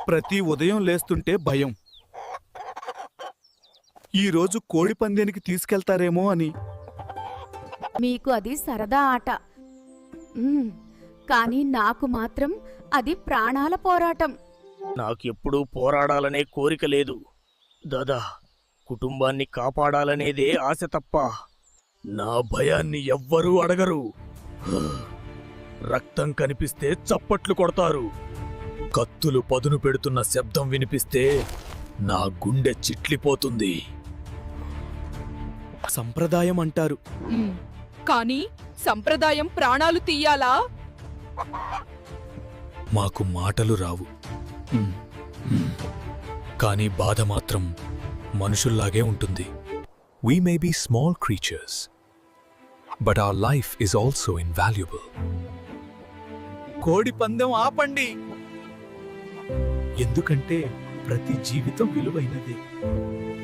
ప్రతి ఉదయం లేస్తుంటే భయం. ఈరోజు కోడి పందేనికి తీసుకెళ్తారేమో అని. మీకు అది సరదా ఆట. కానీ నాకు మాత్రం అది ప్రాణాల పోరాటం. నాకెప్పుడూ పోరాడాలనే కోరిక లేదు దాదా. కుటుంబాన్ని కాపాడాలనేదే ఆశ తప్ప నా భయాన్ని ఎవ్వరూ అడగరు. రక్తం కనిపిస్తే చప్పట్లు కొడతారు. కత్తులు పదును పెడుతున్న శబ్దం వినిపిస్తే నా గుండె చిట్లిపోతుంది. సంప్రదాయం అంటారు. కానీ సంప్రదాయం ప్రాణాలు తీయాలా? మాకు మాటలు రావు, కానీ బాధ మాత్రం మనుషుల్లాగే ఉంటుంది. We may be small creatures, but our life is also invaluable. కోడి పందెం ఆపండి, ఎందుకంటే ప్రతి జీవితం విలువైనదే.